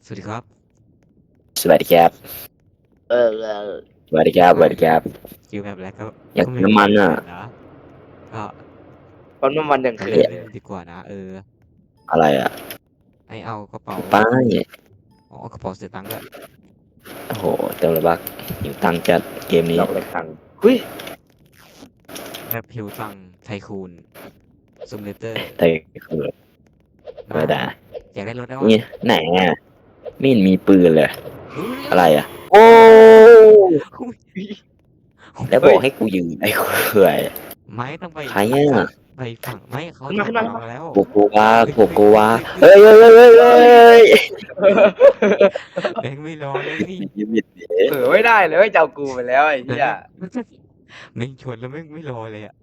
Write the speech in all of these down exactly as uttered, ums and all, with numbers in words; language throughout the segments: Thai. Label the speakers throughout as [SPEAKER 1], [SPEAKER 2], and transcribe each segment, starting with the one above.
[SPEAKER 1] สวัสดีครับ
[SPEAKER 2] สวัสดีครับ
[SPEAKER 3] เออเออ
[SPEAKER 2] สวัสดีครับสวัสดีครับ
[SPEAKER 1] คิวแบบแล้วก็
[SPEAKER 2] อยาก
[SPEAKER 1] ก็
[SPEAKER 2] กินน้ำมันอ่ะ
[SPEAKER 1] นะก็
[SPEAKER 3] ปั๊มน้ำมันยัง
[SPEAKER 1] ไป
[SPEAKER 3] เค
[SPEAKER 1] เดิ
[SPEAKER 3] ย
[SPEAKER 1] นเล่นดีกว่านะเออ
[SPEAKER 2] อะไรอ่ะ
[SPEAKER 1] ไอเอากระเป๋า
[SPEAKER 2] ป้าย
[SPEAKER 1] อ๋อกระเป๋าเสียตังค์ด้วย
[SPEAKER 2] โอ้โหเต็มเลยบักหิวตังค์จัดเกมนี้
[SPEAKER 3] ดอกเล็กตังเฮ้ย
[SPEAKER 1] แบบหิวตังค์ไทคูนซูมเลเตอร์
[SPEAKER 2] แต่คือธรรมดา
[SPEAKER 1] อยากได้รถได้วะ
[SPEAKER 2] นี่ไหนอ่ะไม่เห็นมีปืนเลย
[SPEAKER 1] เฮ้ย
[SPEAKER 2] อะไรอ่ะ โอ้
[SPEAKER 1] อุ๊ย
[SPEAKER 2] แล้วบอกให้กูยืนไอ้เขื่อย
[SPEAKER 1] ไม่ต้องไป
[SPEAKER 2] ใครอ่ะ
[SPEAKER 1] ไปฝั่งไม่เขา
[SPEAKER 3] ขึ้นมาขึ้นมา
[SPEAKER 1] ถอดมาแล้ว
[SPEAKER 2] โกโกวาโกโกวาเฮ้ยเฮ้ยเฮ้ยเฮ้ยเฮ้ย
[SPEAKER 1] แบงค์ไม่รอเลยนี่
[SPEAKER 2] ยืมบิดดิ
[SPEAKER 3] เผลอไม่ได้เลยจะเอากูไปแล้วไอ้เหี้ย
[SPEAKER 1] แม่งชวนแล้วแม่งไม่รอเลยอะ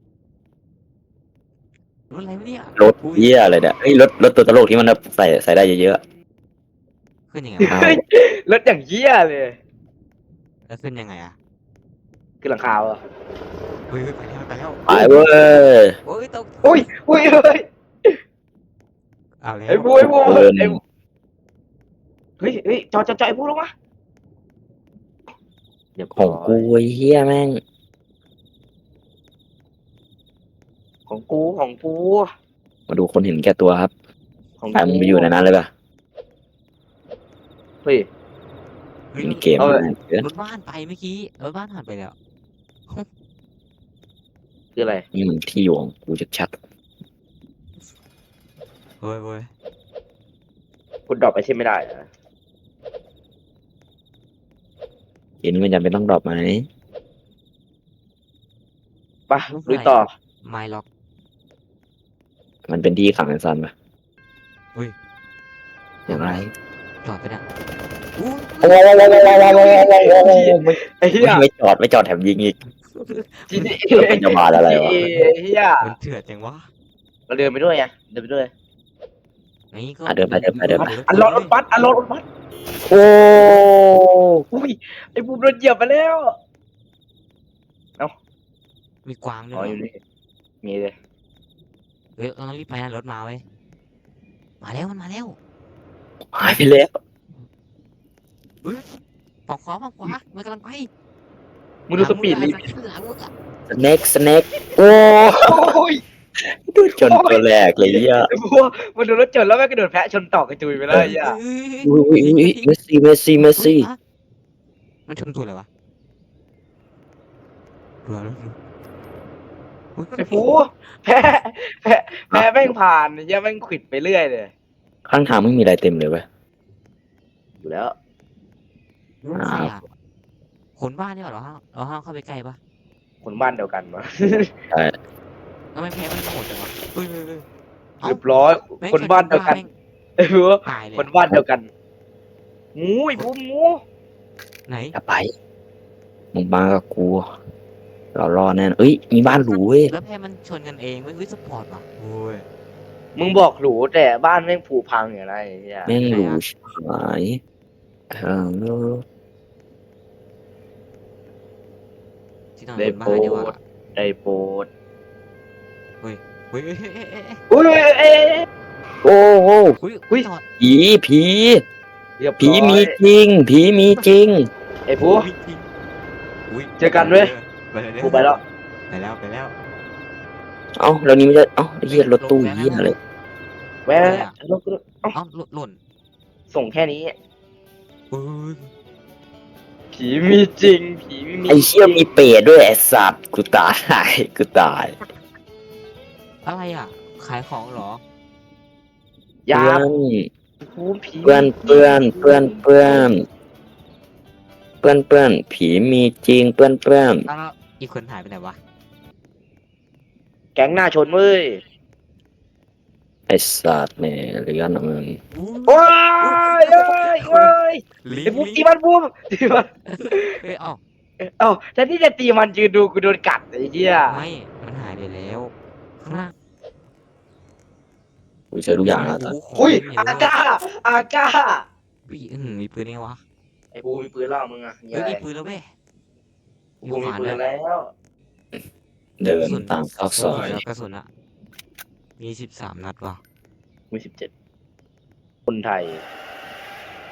[SPEAKER 1] รถอะไรวะเนี่ย
[SPEAKER 2] รถเหี้ยอะไรเนี่ยเฮ้ยรถรถตัวตลกที่มันแบบใส่ใส่ได้เยอะ
[SPEAKER 1] ขึ้นยังไง
[SPEAKER 2] ๆ
[SPEAKER 1] วะ
[SPEAKER 2] เอา
[SPEAKER 3] รถอย่างเหี้ยเลย
[SPEAKER 1] แล้วขึ้นยังไงอะ
[SPEAKER 3] คือหลังคาอ่ะ
[SPEAKER 1] เฮ้ยไปแล้วไปแล้ว
[SPEAKER 2] ไปเว้ย
[SPEAKER 1] โอ้ยตก
[SPEAKER 3] อุ้ยอุ้ยเฮ้ย
[SPEAKER 1] เอาแล้ว
[SPEAKER 3] ไอ้บูไอ้บู
[SPEAKER 2] เดิน
[SPEAKER 3] ไอ้บูเฮ้ยเฮ้ยจอดจอดจอดไอ้บูลงมาเดี๋ยว
[SPEAKER 2] ของกูไอ้เหี้ยแม่ง
[SPEAKER 3] ของกูของกู
[SPEAKER 2] มาดูคนเห็นแก่ตัวครับ
[SPEAKER 3] ของ
[SPEAKER 2] ไปมึงไปอยู่ในนั้นเลยป่ะ
[SPEAKER 3] เฮ้ย
[SPEAKER 1] เฮ้ย
[SPEAKER 2] มีเกม
[SPEAKER 3] เอาเลย
[SPEAKER 2] เกิน
[SPEAKER 1] รถบ้านไปเมื่อกี้รถบ้านผ่านไปแล้ว
[SPEAKER 3] คืออะไร
[SPEAKER 2] นี่มันที่อยู่ของกูชัด
[SPEAKER 1] เฮ้ยเว้ย
[SPEAKER 3] กูดรอปไอเช่นไม่ได้นะ
[SPEAKER 2] ๆเกมนี้มันจำเป็นต้องดรอปไหม
[SPEAKER 3] ไปลุยต่อ
[SPEAKER 1] ไมล็อก
[SPEAKER 2] มันเป็นที่ขังไอ้ซันป่ะ
[SPEAKER 1] เฮ้ย
[SPEAKER 2] อย่างไร
[SPEAKER 1] จอดไปนะอู้
[SPEAKER 2] โอ้โห
[SPEAKER 3] ไอ้เหี้ย
[SPEAKER 2] ไม่จอดไม่จอดแถมยิงอีก
[SPEAKER 3] จีดี
[SPEAKER 2] เป็นจะมาอะไรวะ
[SPEAKER 3] ไอ้เหี้ย
[SPEAKER 1] มันเถื่อนจังวะ
[SPEAKER 3] เราเดินไปด้วยไงเดินไปด้วย
[SPEAKER 1] นี่ก็
[SPEAKER 2] อ่ะเดินไปเดินไปเดินไป
[SPEAKER 3] อันรถรถบัสอันรถรถบัส
[SPEAKER 2] โอ้
[SPEAKER 3] อุ้ยไอ้บูมโดนเหยียบไปแล้ว
[SPEAKER 1] มีกวางด้
[SPEAKER 3] อ๋อ
[SPEAKER 1] วย
[SPEAKER 3] อยู่นี่มีเลย
[SPEAKER 1] เฮ้ยเราต้องรีบไปนะรถมาเว้ยมาแล้วมันมาแล้ว
[SPEAKER 2] หายไปแล้ว
[SPEAKER 1] ฝั่งขวาฝั่งขวามันกำลังไป
[SPEAKER 3] มึงดูสปีดลิฟ
[SPEAKER 1] หลังมึงอะ
[SPEAKER 2] สเน็กสเน็กโอ้
[SPEAKER 3] โอ้ย
[SPEAKER 2] ดูจนตัวแรกเลยอ่ะ
[SPEAKER 3] ไอ้บัวมันโดนรถชนแล้วแม่งก็โดนแพะชนต่อกระจุยไปแล้วไอ้เหี้ย
[SPEAKER 1] เฮ้ย
[SPEAKER 2] อุ้ยอุ้ยอุ้ยเมสซี่เมสซี่เมสซี่
[SPEAKER 1] มันชนตัวอะไรวะตัวอะไรวะ
[SPEAKER 3] ไอ้ฟูแพะแพะแพะแม่งผ่านไอ้เหี้ยแม่งขวิดไปเรื่อยเลย
[SPEAKER 2] ข้างทางไม่มีอะไรเต็มเลยเว้ย
[SPEAKER 3] อยู่แล้ว
[SPEAKER 1] ใครอะคนบ้านนี่หรอเราห้ามเราห้ามเข้าไปใกล้ปะ
[SPEAKER 3] คนบ้านเดียวกันมา
[SPEAKER 1] ทำไมแพ้มันโหดจังวะเฮ้ยเฮ้ยเฮ้ย
[SPEAKER 3] เรียบร้อย
[SPEAKER 1] แม่ง
[SPEAKER 3] คนบ้านเดียวกัน
[SPEAKER 1] แม่ง
[SPEAKER 3] ไอ้บัว
[SPEAKER 1] ตายเลย
[SPEAKER 3] คนบ้านเดียวกันงูไอ้บูมงู
[SPEAKER 1] ไหน
[SPEAKER 2] อย่าไปมึงมากับกูเรารอแน่นเอ้ยมีบ้านหรูเว้ย
[SPEAKER 1] แล้วแพ้มันชนกันเองเว้ยเฮ้ยสปอร์ตว่ะโอ้ย
[SPEAKER 3] มึงบอกหรูแต่บ้านแม่งผุพังอย่างไรไอ้เหี้ย
[SPEAKER 2] แม่งหรูชิบหายเออ
[SPEAKER 1] ที่นอน
[SPEAKER 3] ได้
[SPEAKER 1] บน
[SPEAKER 3] โป
[SPEAKER 1] บ้าน
[SPEAKER 3] ร
[SPEAKER 1] ดีกว่า
[SPEAKER 3] ดได้โปรด
[SPEAKER 1] เฮ้ยเฮ้ยเฮ้ยเฮ้ยเฮ้ย
[SPEAKER 3] อุ้ยเอ้ย
[SPEAKER 2] โอ้โห
[SPEAKER 1] เฮ้ย
[SPEAKER 3] เฮ้ย
[SPEAKER 1] จอด
[SPEAKER 2] ผีผี
[SPEAKER 3] เรียบ
[SPEAKER 2] ผี
[SPEAKER 3] ร้อย
[SPEAKER 2] มีจริง ผีมีจริง
[SPEAKER 3] ไอ้บัว
[SPEAKER 1] จริงอุ๊ย
[SPEAKER 3] เจอกันเว้ย
[SPEAKER 1] ไปเลย
[SPEAKER 3] กูไปแล้ว
[SPEAKER 1] ไปแล้วไปแล้ว
[SPEAKER 2] เอ้าแล้วนี้ไม่ใช่เอ้าไอ้เหี้ยรถตู้เหี้ยอะไร
[SPEAKER 3] แม่รถรถ
[SPEAKER 1] เอ้าหล่นหล่น
[SPEAKER 3] ส่งแค่นี้
[SPEAKER 1] เฮ้ย
[SPEAKER 3] ผีมีจริง ผีไม่มี
[SPEAKER 2] ไอ้เชี่ยมีเปรตด้วยไอ้สัตว์กูตายกูตาย
[SPEAKER 1] อะไรอ่ะ ขายของเหรอ
[SPEAKER 3] ยา
[SPEAKER 2] เพื่อน
[SPEAKER 3] ภูมิผี
[SPEAKER 2] เพื่อนเพื่อนเพื่อนเพื่อนเพื่อนเพื่อนผีมีจริงเพื่อนเพื่อน
[SPEAKER 1] แล้วอีกคนหายไปไหนวะ
[SPEAKER 3] แก๊งหน้าชนเว้ย
[SPEAKER 2] ไอ้สัตว์เนี่ยเลี้ยนอะมึง
[SPEAKER 3] โอ้ยเอ้ยเอ้ย
[SPEAKER 1] ลิ
[SPEAKER 3] ไอ้
[SPEAKER 1] ง
[SPEAKER 3] บูม
[SPEAKER 1] ลิ
[SPEAKER 3] ตี
[SPEAKER 1] ง
[SPEAKER 3] มันบูมตีมัน
[SPEAKER 1] เอ้ยเอ้า
[SPEAKER 3] เอ้าแทนที่จะตีมันยืนดูกูโดนกัดไอ้เหี้ย
[SPEAKER 1] ไม่ มันหายไปแล้วข้างล่าง
[SPEAKER 2] กูเจอทุกอย่างแล้วตอน
[SPEAKER 1] โโห
[SPEAKER 3] อุ้ย
[SPEAKER 1] ขง
[SPEAKER 3] อา
[SPEAKER 1] เต็มเลย
[SPEAKER 3] ก้าอาก้า
[SPEAKER 1] อุ้ยอืมมีปืนไงวะ
[SPEAKER 3] ไอ้บูมมีปืนแล้วมึงอะ
[SPEAKER 1] เฮ้ยมีปืนแล้วเว้ย
[SPEAKER 3] บูมมีปืนแล้ว
[SPEAKER 2] เดินตามซอกซอย
[SPEAKER 1] แล้วกระสุนอะมีสิบสามนัดว่ะ
[SPEAKER 3] มีสิบเจ็ดคนไทย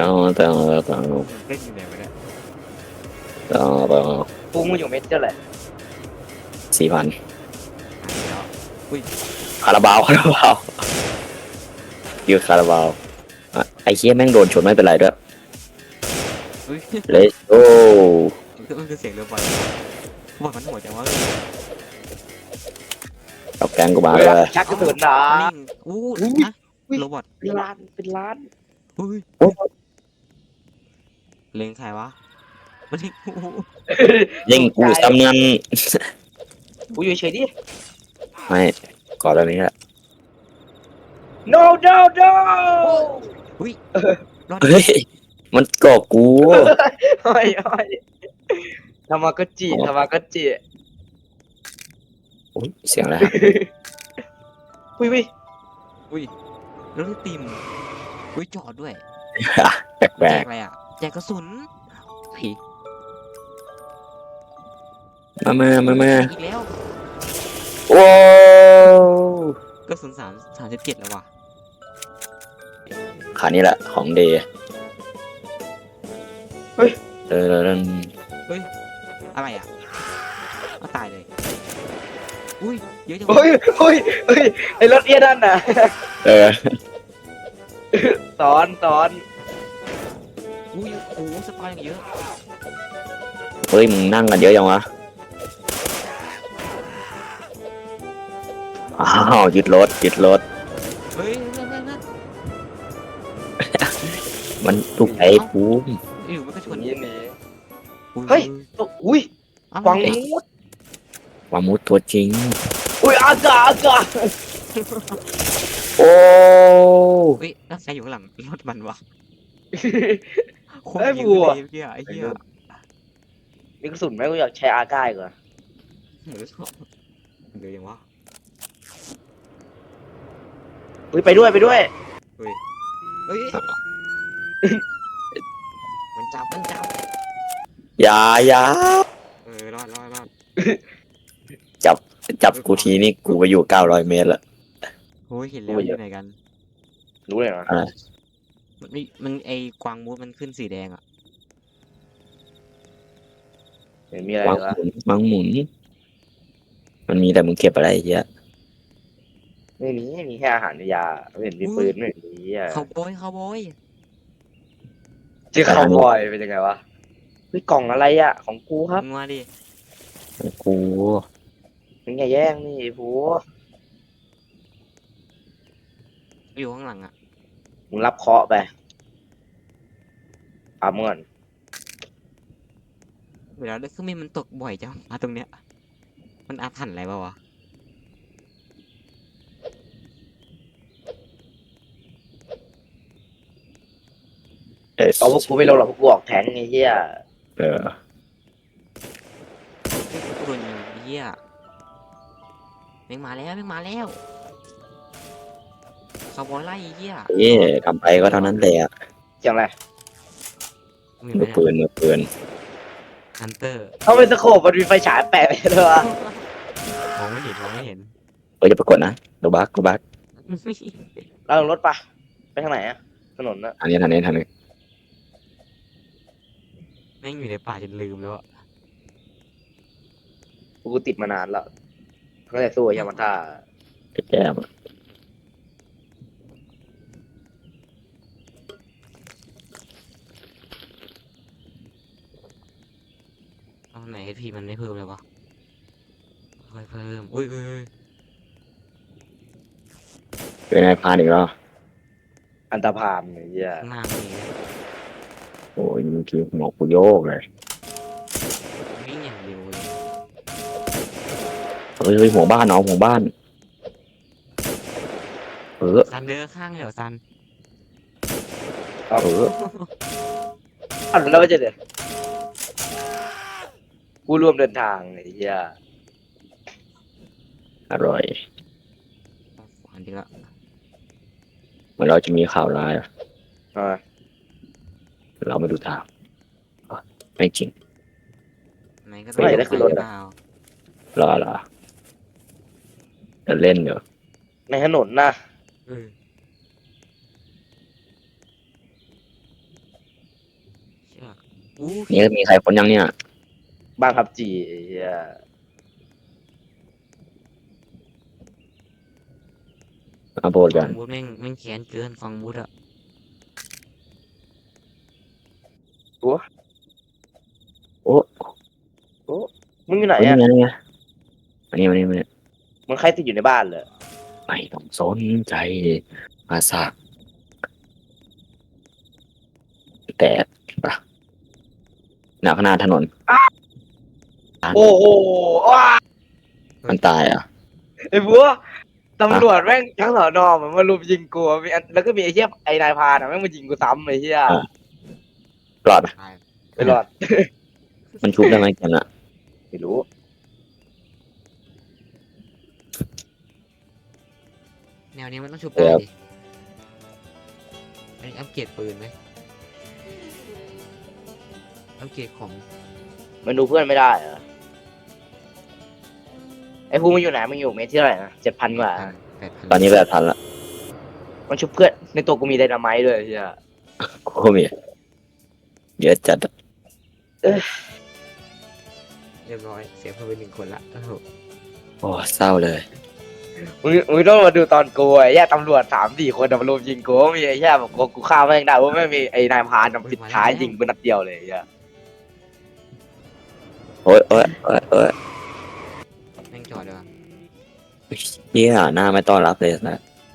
[SPEAKER 2] แต่แต่
[SPEAKER 1] เล่นอยู่ไหนวะเนี่ย
[SPEAKER 2] แต่แต่
[SPEAKER 3] ปูมึงอยู่เม็ดเท่าไหร่
[SPEAKER 2] สี่พัน
[SPEAKER 1] หายแล้วอุ้ย
[SPEAKER 2] คาราบาวคาราบาวยืดคาราบาวอ่ะไอ้เคี้ยแม่งโดนชนไม่เป็นไรด้วย
[SPEAKER 1] อุ้ย
[SPEAKER 2] let's go
[SPEAKER 1] มันคือเสียงเรือบอลบอลมันโหดจังวะ
[SPEAKER 2] กับแกงกูมาเลย
[SPEAKER 3] ชักกระสุนนะ
[SPEAKER 1] นิ่งอู้นะโรบอท
[SPEAKER 3] เป็นล้านเป็นล้าน
[SPEAKER 1] อุ้ยเล็งใครวะมันเล็งกู
[SPEAKER 2] ยิงกูซ้ำเงิน
[SPEAKER 3] กูอยู่เฉยดิ
[SPEAKER 2] ไม่ก่อนตอนนี้แหละ
[SPEAKER 3] no no no
[SPEAKER 1] อุ้ยรอด
[SPEAKER 2] เฮ้ยมันเกาะกู
[SPEAKER 3] โอ้ยโอ้ยทำมาก็จีทำมาก็จี
[SPEAKER 2] อุ๊ยเสียงอะไร
[SPEAKER 3] อุ้ยอุ้ย
[SPEAKER 1] อุ้ยแล้วที่ติมอุ้ยจอดด้วย
[SPEAKER 2] แปล
[SPEAKER 1] แจ
[SPEAKER 2] ก
[SPEAKER 1] กอะไรอ่ะแจกกระสุนผี
[SPEAKER 2] ๆมามามามา
[SPEAKER 1] อีกแล้ว
[SPEAKER 2] โอ้
[SPEAKER 1] กระสุนสามสามสิบเจ็ดแล้วว่ะ
[SPEAKER 2] ขานี้แหละของเดย์เออเออ
[SPEAKER 1] อะไรอ่ะเอาตายเลยอุ้ยเยอะจัง
[SPEAKER 3] เฮ้ยเฮ้ยเฮ้ยไอ้รถเอี้ยนั่นน่ะ
[SPEAKER 2] เออ
[SPEAKER 3] สอนสอน
[SPEAKER 1] อุ้ยโอ้สปายอย่างเยอะ
[SPEAKER 2] เฮ้ยมึงนั่งกันเยอะยังวะอ้าวยึดรถยึดรถ
[SPEAKER 1] เฮ้ยนั่นนั่นนั่น
[SPEAKER 2] มันถูกไอ้ปูม
[SPEAKER 1] อยู่มันก็ชน
[SPEAKER 3] นี่นี่
[SPEAKER 1] อุ้
[SPEAKER 3] เฮ้ย อุ้ย
[SPEAKER 1] อะไร
[SPEAKER 3] วัง
[SPEAKER 1] เนี่ย
[SPEAKER 3] มูด
[SPEAKER 2] วามุดตัวจริง
[SPEAKER 3] อุ้ยอากาอากา
[SPEAKER 2] โอ้
[SPEAKER 1] เฮ้ยแล้วใครอยู่ข้างหลังรถมันวะโคต
[SPEAKER 3] ไอ้
[SPEAKER 1] รยิง
[SPEAKER 3] บัว
[SPEAKER 1] เลยเมื่อกี้อะไอ้เหี้ย
[SPEAKER 3] มีกระสุนไหมกูอยากใช้อากาอีกว่ะ
[SPEAKER 1] เหมือนเหลือยังวะ
[SPEAKER 3] อุ้ยไปด้วยไปด้วย
[SPEAKER 1] เฮ้ยมันจับมันจับ
[SPEAKER 2] อยาอยา
[SPEAKER 1] เออรอดรอดรอด
[SPEAKER 2] จับกูทีนี่กูไปอยู่เก้าร้อยเมตรละ
[SPEAKER 1] โอ้ยเห็นแล้วอยู่ไหนกัน
[SPEAKER 3] รู้เลยนะ
[SPEAKER 1] มันมีมันไอกวางมูดมันขึ้นสีแดงอ่ะ
[SPEAKER 3] เห็นมีอะไร
[SPEAKER 2] วาง
[SPEAKER 3] วะ
[SPEAKER 2] หมุนวางหมุน มันมีแต่มึงเก็บอะไรเยอะ
[SPEAKER 3] ไม่มีมีแค่อาหารยาไม่เห็นมีปืนไม่เห็นมีอ่ะ
[SPEAKER 1] เขาโบยเขาโบย
[SPEAKER 3] เจอคาวบอยเป็นยังไงวะเฮ้ยกล่องอะไรอ่ะของกูครับ
[SPEAKER 1] มึงมาดิ
[SPEAKER 2] กู
[SPEAKER 3] มึงอย่าแย่งนี่ไอ้ผู
[SPEAKER 1] อยู่ข้างหลังอ่ะ
[SPEAKER 3] มึงรับเคราะห์ไปอ่ะเมื่อน
[SPEAKER 1] เวลาเลือกเครื่องบินมันตกบ่อยจังมาตรงเนี้ยมันอาถรรพ์อะไรเปล่าวะ
[SPEAKER 2] เอส
[SPEAKER 3] เอาพวกกูไม่ลงหรอกพวกกูออกแทงไอ้เหี้ย
[SPEAKER 2] เออ
[SPEAKER 1] เฮ้ยกูโดนยิงไอ้เหี้ยแม่งมาแล้วแม่งมาแล้วคาร์บอยไล่ไอ้เหี้ย
[SPEAKER 2] เอ๊ะทำไปก็เท่านั้นแหละ
[SPEAKER 3] เสียงอะไร
[SPEAKER 1] มี
[SPEAKER 2] มื
[SPEAKER 1] ไหม
[SPEAKER 2] อปืนมือปืน
[SPEAKER 1] ฮันเตอร์
[SPEAKER 3] เขาเป็นสโคปมันมีไฟฉายแปะไว้เลยวะ
[SPEAKER 1] มองไม่เห็นมองไม่เห็น
[SPEAKER 2] เออจะปรากฏนะโดบักโดบัก
[SPEAKER 3] เราลงรถปะไปทางไหนอะถนนอะ
[SPEAKER 2] อันนี้ทางนี้ทางนี้
[SPEAKER 1] แม่งอยู่ในป่าจนลืมแล้วอะ
[SPEAKER 3] กูติดมานานแล้วตั้งแต่สู้กับยามาท่า
[SPEAKER 2] แก้ม
[SPEAKER 1] เอาไหนพีมันไม่เพิ่มเลยวะค่อยเพิ่มอุ้ยอุ้ยอุ้ย
[SPEAKER 2] เป็นไงพานอีกแล้ว
[SPEAKER 3] อันตรพานไอ้เหี้ย
[SPEAKER 1] ข้างหน้ามีนะ
[SPEAKER 2] โอ้ยเมื่อกี้หมอกกูโยกเลย
[SPEAKER 1] วิ่งอย่างเร็วเลย
[SPEAKER 2] เฮ้ยเฮ้ยหัวบ้านเนาะหัวบ้านเออ
[SPEAKER 1] ซันเดินข้างเลยเหรอซัน
[SPEAKER 2] เออ
[SPEAKER 3] อันแล้วไม่ใช่เดี๋ยวกูร่วมเดินทางไอ้เหี้ย
[SPEAKER 2] อร่อย
[SPEAKER 1] อันนี้ละ
[SPEAKER 2] เหมือนเราจะมีข่าวร้ายอะ
[SPEAKER 3] อ่า
[SPEAKER 2] เราไม่ดูทางอ่ะไม่จริง
[SPEAKER 1] ไหนก็ต้อง
[SPEAKER 2] ไม่ได้ขึ้นรถ
[SPEAKER 1] เป
[SPEAKER 2] อะ
[SPEAKER 1] ล่าร
[SPEAKER 2] อรอจะเล่นเดี๋ยว
[SPEAKER 3] ในถนนนะ
[SPEAKER 1] เออเชือกอู้
[SPEAKER 2] นี่มีใครคนยังเนี่ย
[SPEAKER 3] บ้านพับจีไอ้เหี้ย
[SPEAKER 2] มาโบด
[SPEAKER 1] ฟั
[SPEAKER 2] กั
[SPEAKER 1] ง
[SPEAKER 2] น
[SPEAKER 1] บูธแม่งแม่งแค้นเกินฟังบูธอะ
[SPEAKER 2] โอ้
[SPEAKER 3] มึงอยู่ไหน
[SPEAKER 2] ยนี่
[SPEAKER 3] อะ
[SPEAKER 2] ไงนี่ไงมานี่มานี่มานี่
[SPEAKER 3] มึงใครติดอยู่ในบ้านเลย
[SPEAKER 2] ไม่ต้องสนใจมาสักแต่ปะหนักขนาดถนน
[SPEAKER 3] โอ้โหว้า
[SPEAKER 2] มันตายอ่ะ
[SPEAKER 3] ไอ้บัวตำรวจแม่งทั้งสอนอเหมือนมารุมยิงกูอะมีอันแล้วก็มีไอ้เหี้ยไอ้นายพรานอะแม่งมายิงกูซ้ำไอ้เหี้ย
[SPEAKER 2] อ่ะ รอดปะ
[SPEAKER 1] ตาย
[SPEAKER 3] ไม่รอด
[SPEAKER 2] มันชุบได้ไหมกันอ่ะ
[SPEAKER 3] ไม่รู้
[SPEAKER 1] แนวนี้มันต้องชุบได้ดิอันนี้อัปเกรดปืนไหมอัปเกรดของ
[SPEAKER 3] มันดูเพื่อนไม่ได้เหรอไอ้ภูมิมันอยู่ไหนมันอยู่เมตรที่เท่าไหร่นะเจ็ดพันกว่า
[SPEAKER 1] แปดพัน
[SPEAKER 2] ตอนนี้แบบทันละ
[SPEAKER 3] มันชุบเพื่อนในตัวกูมีไดนาไมต์ด้วยไอ้เหี้ย
[SPEAKER 2] กูก็มีเยอะจัดอะ
[SPEAKER 1] เรียบร้อยเสียเพิ่มไปหนึ่งคนละโอ้โห
[SPEAKER 2] โอ้เศร้าเลย
[SPEAKER 3] มึงมึงต้องมาดูตอนกูไอ้เหี้ยตำรวจสามสี่คนอะมารุมยิงกูมีไอ้เหี้ยแบบกูกูฆ่าแม่งได้ว่าไม่มีไอ้นายพรานอะปิดท้ายยิงกูนัดเดียวเลยไอ้เหี้ย
[SPEAKER 2] โอ้ยโอ้ยโอ้ยโอ้ย
[SPEAKER 1] แม่งจอดเลยว่ะ
[SPEAKER 2] เฮียหน้าไม่ต้อนรับเลยนะ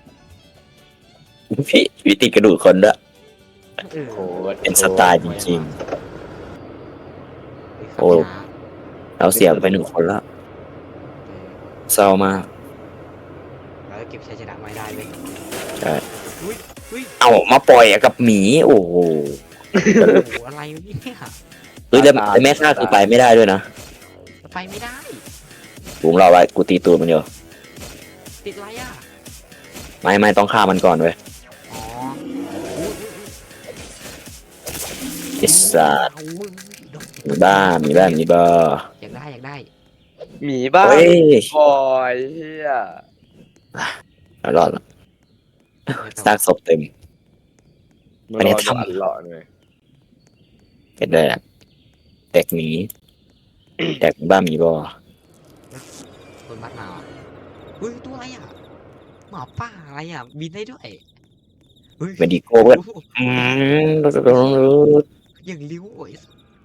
[SPEAKER 2] พี่พี่ติดกระดูกคนด้วย
[SPEAKER 1] เออ
[SPEAKER 3] โอ้โห
[SPEAKER 2] เป็นสไตล์จริง โอ้
[SPEAKER 1] โอ้
[SPEAKER 2] ๆ เราเสียไปหนึ่งคนละเศร้ามาก
[SPEAKER 1] แล้วเก็บชัยชนะไม่ได้เลย
[SPEAKER 2] ใช่
[SPEAKER 1] อุ้ยอุ้ย
[SPEAKER 2] เอามาปล่อยกับหมี โอ้โห
[SPEAKER 1] โอ้โหอะไรวะเนี่ย
[SPEAKER 2] เฮ้ยแล้วแล้วแม่ข้าคือไปไม่ได้ด้วยนะ
[SPEAKER 1] ไปไม่ได้
[SPEAKER 2] บุ้งเราไว้กูตีตูดมันอยู่
[SPEAKER 1] ติดอะไรอ่ะ
[SPEAKER 2] ไม่ไม่ต้องฆ่ามันก่อนเว้ย
[SPEAKER 1] อ๋ออุ้ย
[SPEAKER 2] ไอิสัตว์
[SPEAKER 1] อุ้ยอุ้ยโดน
[SPEAKER 2] มีบ้ามีบ้ามีบ้า
[SPEAKER 1] อยากได้อยากได้
[SPEAKER 3] หมีบ้า
[SPEAKER 2] เฮ้ย
[SPEAKER 3] บอยเฮีย
[SPEAKER 2] เรารอดละซากศพเต็ม อันนี้ทำ
[SPEAKER 3] อันหล่อเลย
[SPEAKER 2] เห็นได้อะแตกหมีแตกบ้ามีบ่
[SPEAKER 1] คนบัดมาอ่ะเฮ้ยตัวอะไรอ่ะหมาป่าอะไรอ่ะบินได้ด้วยเฮ้ย
[SPEAKER 2] เมดิโก้เพื่อน
[SPEAKER 1] โอ้โห
[SPEAKER 2] อืม
[SPEAKER 1] อย่างลิ้วโอ้ย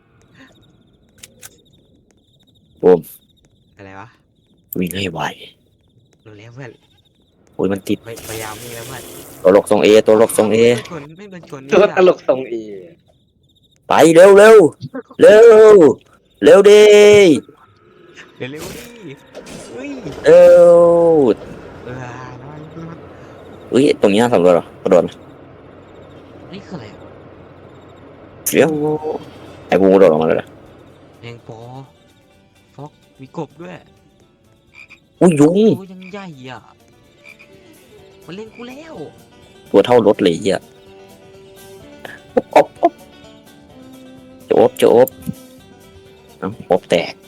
[SPEAKER 2] บูม
[SPEAKER 1] อะไรวะ
[SPEAKER 2] วิ่งให้ไว
[SPEAKER 1] รู้แล้วเพื่อน
[SPEAKER 2] โอ้ยมันติด
[SPEAKER 1] พยพยายามนี่แล้วเพื่อน
[SPEAKER 2] ตัวลกทรงเอตัวลกทรงเอ
[SPEAKER 1] ไม่โดนชนไม่โดนชน
[SPEAKER 3] ตัว
[SPEAKER 1] นี่
[SPEAKER 3] ตลกทรงเอ
[SPEAKER 2] ไปเร็วเร็วเร็วเร็วดิ
[SPEAKER 1] เร็วเร็วดิเฮ้ย
[SPEAKER 2] เร็ว
[SPEAKER 1] เออน้อยน้อย
[SPEAKER 2] อุ้ยตรงนี้น่าสำรวจเหรอกระโดด
[SPEAKER 1] นี่คืออะไรอะ
[SPEAKER 2] เร็วไอ้กูกระโดดออกมาเลยนะ
[SPEAKER 1] แมงปอฟอกมีกบด้วย
[SPEAKER 2] อุ้ยยุง
[SPEAKER 1] ตัวยังใหญ่อ่ะมันเล่นกูแล้ว
[SPEAKER 2] ตัวเท่ารถเลยอ่ะอบอบจะอบจะอบเอ้าอบแตก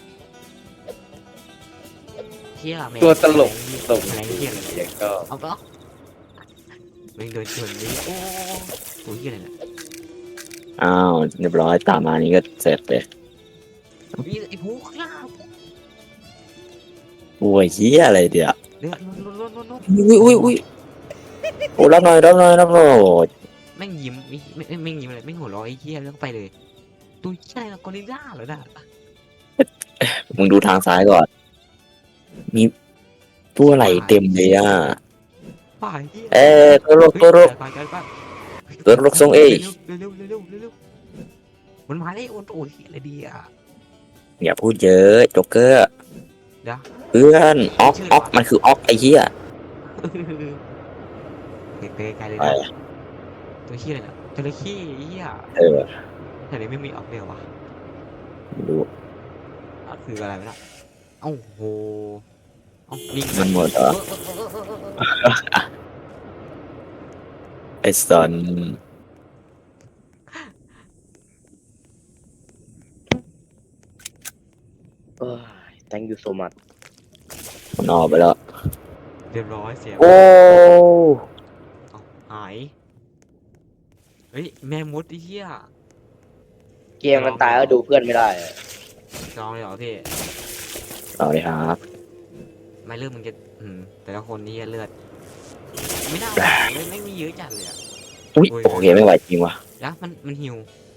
[SPEAKER 1] เชี่ยแมง
[SPEAKER 3] ตัวตลกตลก
[SPEAKER 1] แมงเชี่ยเลย
[SPEAKER 3] เด็กก็
[SPEAKER 1] เอาปะแมงโดนชนนี่โอ้ตัวเชี่ยอะไรเนี่ย
[SPEAKER 2] อ้าวเรียบร้อยตามมานี่ก็เสร็จเลย
[SPEAKER 1] มีไอ้ผู้ข้างล่าง
[SPEAKER 2] โอ้ยเฮียอะไรเดี๋ยว
[SPEAKER 1] เดือดลุ้นลุ้นลุ้นลุ้น
[SPEAKER 2] อุ้ยอุ้ยอุ้ยโอ้รับหน่อยรับหน่อยรับหน่อยโอ้ย
[SPEAKER 1] แม่งยิ้มไม่ไม่ไม่ยิ้มเลยแม่งหัวเราะไอ้เชี่ยแล้วก็ไปเลยตัวเชี่ยอะไรกอริลล่าเหรอน่ะ
[SPEAKER 2] มึงดูทางซ้ายก่อนมีตัวอะไรเต็มเลยอ่ะ
[SPEAKER 1] ป่ายเชี่ย
[SPEAKER 2] เอ้ยตัวรกตัวรก
[SPEAKER 1] ไปไปไป
[SPEAKER 2] ตัวรกทรงเอ
[SPEAKER 1] เร็วเร็วเร็วเร็วเร็วเร็วมันมาได้โอนโอ้ยอะไรดีอ่ะ
[SPEAKER 2] อย่าพูดเยอะโจ๊กเกอร์
[SPEAKER 1] เดี๋ยว
[SPEAKER 2] เพื่อนออกออกมันคือออกไอ้เหี้ย
[SPEAKER 1] เด็กไปไกลเลย
[SPEAKER 2] ไป
[SPEAKER 1] นะตัวเชี่ยอะไรน่ะจระเข้ไอ้เหี้ย
[SPEAKER 2] เออ
[SPEAKER 1] แต่นี้ไม่มีออกเดียววะ
[SPEAKER 2] ดู
[SPEAKER 1] อ่ะคืออะไรวะน่ะเอ้าโหเอ้าลิง
[SPEAKER 2] มันหมดเหรอ
[SPEAKER 1] เออเออเออเออเออ
[SPEAKER 2] ไอ้สัน
[SPEAKER 3] เอ้ย thank you so much
[SPEAKER 2] มันออกไปแล้ว
[SPEAKER 1] เรียบร้อยเสีย
[SPEAKER 2] โอ้
[SPEAKER 1] เอ้าหายเฮ้ยแม่มดไอ้เหี้ย
[SPEAKER 3] เกมมันตายแล้วดูเพื่อนไม่ได้อะ
[SPEAKER 1] ลองเลยเหรอพี่
[SPEAKER 2] เอาเลยครับ
[SPEAKER 1] ไม่เลือดมึงจะอืมแต่ละคนนี่เลือดไม่ได้เลยไม่มีเยอะจัดเลยอ่ะ
[SPEAKER 2] อุ้ย
[SPEAKER 1] โอ้ย
[SPEAKER 2] โอเคไม่ไหวจริงว่ะ
[SPEAKER 1] ยักษ์มันมันหิว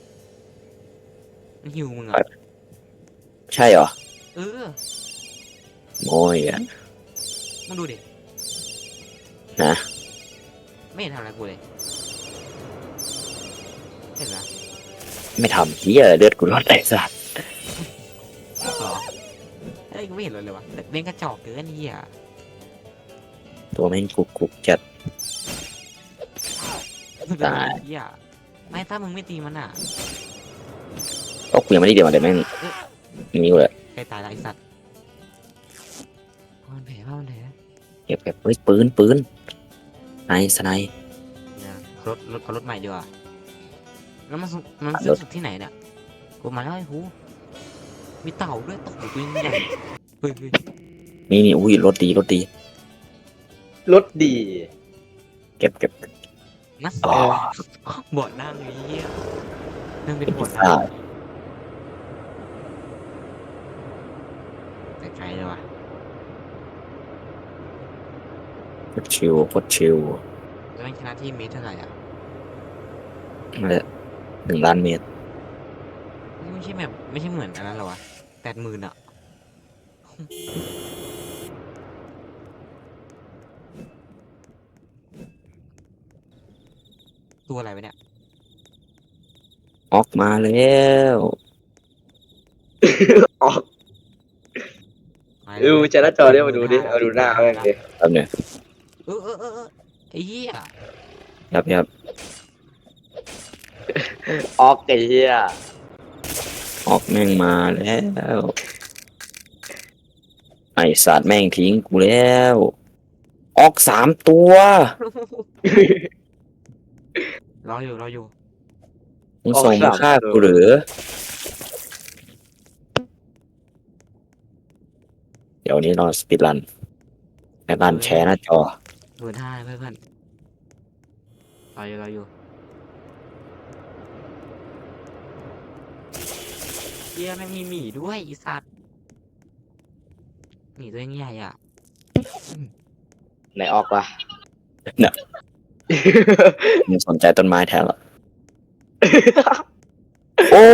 [SPEAKER 1] มันหิวมึงอ่ะ
[SPEAKER 2] ใช่เหรอ
[SPEAKER 1] เออ
[SPEAKER 2] โอ้ยอ่ะ
[SPEAKER 1] มึงดูดิ
[SPEAKER 2] นะ
[SPEAKER 1] ไม่เห็นทำอะไรกูเลยเห็นไหม
[SPEAKER 2] ไม่ทำเหี้ยเลือดกูรอดไอ้สัตว์
[SPEAKER 1] หรอเอ้ยกูไม่เห็นเลยเลยวะเล่นกระจอกเกินเหี้ย
[SPEAKER 2] ตัวแม่งกุกกุกจัด ตาย
[SPEAKER 1] เหี้ยไม่ถ้ามึงไม่ตีมันอ่ะ
[SPEAKER 2] ก็กูยังไม่ได้เดี๋ยวมาเดี๋ยวแม่งนี่กูเลย
[SPEAKER 1] ใครตายละไอสัตว์พ่อมันแผลพ่อมันแผล
[SPEAKER 2] เก็บเก็บเฮ้ยปืนปืนไนสไน
[SPEAKER 1] เนี่ยรถรถเอารถใหม่ดีกว่าแล้วมันสุมันซื้อสุดที่ไหนเนี่ยกูมาแล้วไอ้หูมีเต่าด้วยเต่าตัวใหญ่เฮ้ยเฮ้ย
[SPEAKER 2] นี่นี่อุ้ยรถดีรถดี
[SPEAKER 3] รถดี
[SPEAKER 2] เก็บเก็บ
[SPEAKER 1] นัส
[SPEAKER 2] อ๋อ
[SPEAKER 1] บ่อนั่งไอ้เหี้ยนั่งเป็น
[SPEAKER 2] เก็บ
[SPEAKER 1] บ่อ
[SPEAKER 2] ซ่า
[SPEAKER 1] นั่งไกลๆเลยว่ะ
[SPEAKER 2] โคตรชิวโคตรชิว
[SPEAKER 1] แล้วมันชนะที่เมตรเท่าไหร่อ่ะ
[SPEAKER 2] นั่นแหละหนึ่งล้านเมตร
[SPEAKER 1] นี่ไม่ใช่แบบไม่ใช่เหมือนอันนั้นหรอวะแปดหมื่นอ่ะตัวอะไรวะเนี่ย
[SPEAKER 2] ออกมาแล้ว
[SPEAKER 3] ออก
[SPEAKER 1] มา
[SPEAKER 3] ดูจะหน้าจอเนี่ยมาดูดิเอาดูหน้าเขาเองดิ
[SPEAKER 2] ครับเนี่ย
[SPEAKER 1] เออเออเออเออไอ้เหี้ย
[SPEAKER 2] ครับครับ
[SPEAKER 3] ออกไอ้เหี้ย
[SPEAKER 2] ออกแม่งมาแล้วไอสัตว์แม่งทิ้งกูแล้ว ออกสามตัว
[SPEAKER 1] รออยู่รออยู่
[SPEAKER 2] มึงส่งมาฆ่ากูหรือ เดี๋ยวนี้รอสปีดรันแอดรันแชร์หน้าจอ
[SPEAKER 1] หมื่นห้าเพื่อนเพื่อนรออยู่รออยู่เหี้ยแม่งมีหมีด้วยไอีสัตว์หมีตัวยังใหญ่อ่ะ
[SPEAKER 3] ไหนออกวะ
[SPEAKER 2] มึงสนใจต้นไม้แทนเหรอ โอ้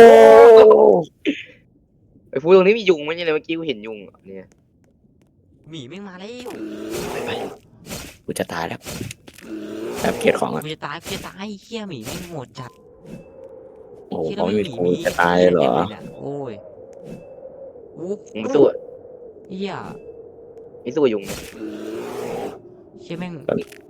[SPEAKER 3] ไอ้ฟูตรงนี้มียุงไหมเนี่ยเมื่อกี้กูเห็นยุงอ่ะเนี่ย
[SPEAKER 1] หมีแม่งมาแล้ว
[SPEAKER 2] กูจะตายแล้วแบบเกลียดของอ่ะ
[SPEAKER 1] กูจะตายกูจะตายเหี้ยหมีแม่งโหดจัด
[SPEAKER 2] โอ้โห
[SPEAKER 1] ที่
[SPEAKER 2] เขาไม่มี
[SPEAKER 1] ห
[SPEAKER 2] ธงจะตายเหรอ
[SPEAKER 1] ต็มลนี่ยโอ้ยโอ้
[SPEAKER 3] มึงสู้
[SPEAKER 1] เฮีย
[SPEAKER 3] ไม่สู้ยุง
[SPEAKER 1] เชี่ยแม่ง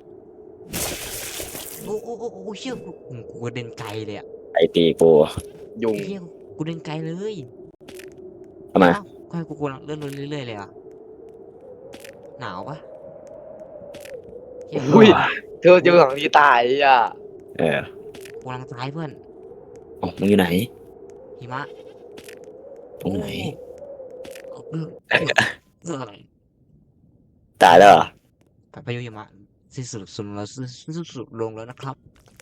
[SPEAKER 1] โอ้โอ้โอ้โอ้เชี่ยกูกูกระเด็นไกลเลยอะ
[SPEAKER 2] ไอตีกู
[SPEAKER 3] ยุง
[SPEAKER 1] เฮียกูเดินไกลเลย
[SPEAKER 2] ทำไม
[SPEAKER 1] เอ้าก็ให้กูกำลังเลื่อนลงเรื่อยๆเลยอ่ะหนาวปะเฮีย
[SPEAKER 3] อุ้ยเธอเจอของที่ตายอ่ะ
[SPEAKER 2] เออ
[SPEAKER 1] กูกำลังตายเพื่อน
[SPEAKER 2] อ๋อมึงอยู่ไหน
[SPEAKER 1] หิมะ
[SPEAKER 2] ตรงไหน
[SPEAKER 1] โอ้เออเออเออ
[SPEAKER 2] ตายแล้วเหรอ
[SPEAKER 1] ไปไปอยู่หิมะสิ้นสุดสุดแล้วสิ้นสุดลงแล้วนะครับ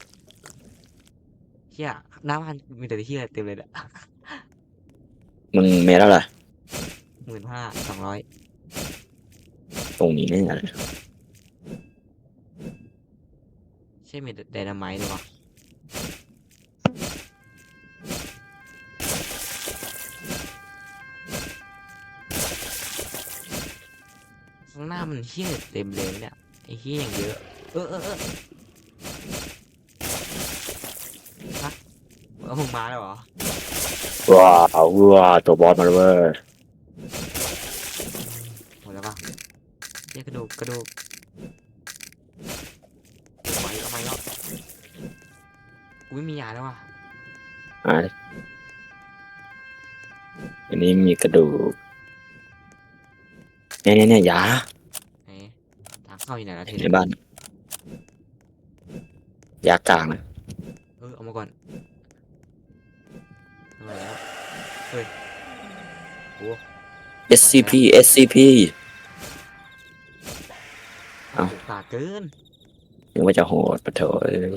[SPEAKER 1] เฮียหน้าบ้านมีแต่ที่เต็มเลยเนี่ย
[SPEAKER 2] มึงเมทแล้วเหรอ
[SPEAKER 1] หมื่นห้าสองร้อย
[SPEAKER 2] ตรงนี้แน่เลย
[SPEAKER 1] ใช่มีไดนาไมต์ด้วยวะข้างหน้ามันเฮี้ยเต็มเลยเนี่ยไอ้เฮี้ยอย่างเยอะเออเออเออฮะเอามึงมาแล้วเหรอ
[SPEAKER 2] ว้าวว้าวตัวบอสมาแล้วเว้ย
[SPEAKER 1] หมดแล้วปะเฮี้ยกระดูกกระดูกเอาไหมเอาไหมแล้วกูไม่มียาแล้วว่ะ
[SPEAKER 2] อ่ะอันนี้มีกระดูกเนี่ยเนี่ยเนี่ยยา
[SPEAKER 1] ไหนทางเข้าอยู่ไหนละที
[SPEAKER 2] ในบ้าน ยากลางนะ
[SPEAKER 1] เออเอามาก่อนเอามาแล้วเฮ้ยโอ้
[SPEAKER 2] เอส ซี พี เอส ซี พี เอ้า
[SPEAKER 1] ตาเกิน
[SPEAKER 2] นึกว่าจะโหดปะเถอะเอ้ย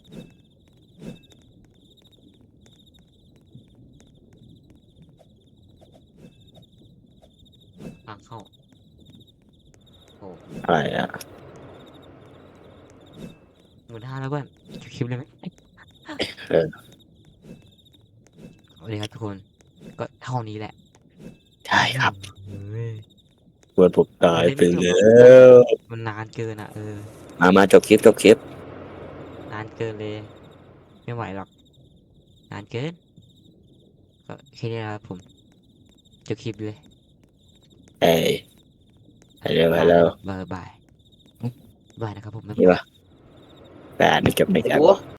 [SPEAKER 1] ทางเข้าโอ้
[SPEAKER 2] อะไรอ่ะ
[SPEAKER 1] หมื่นห้าแล้วเพื่อนจบคลิปเลยไหม
[SPEAKER 2] เออ
[SPEAKER 1] โอเคครับทุกคนก็เท่านี้แหละ
[SPEAKER 2] ใช่ครับ
[SPEAKER 1] เฮ้ย
[SPEAKER 2] เพื่อนผมตายไปแล้ว
[SPEAKER 1] มันนานเกินอ่ะเออ
[SPEAKER 2] มามาจบคลิปจบคลิป
[SPEAKER 1] นานเกินเลย ไม่ไหวหรอก นานเกิน ก็แค่นี้นะครับผมจบคลิปเลย
[SPEAKER 2] เอ้ยไปเร็วไปเร็ว
[SPEAKER 1] บายบายบายนะครับผม
[SPEAKER 2] นี่ปะแปดนี่จบในแคป
[SPEAKER 3] โอ้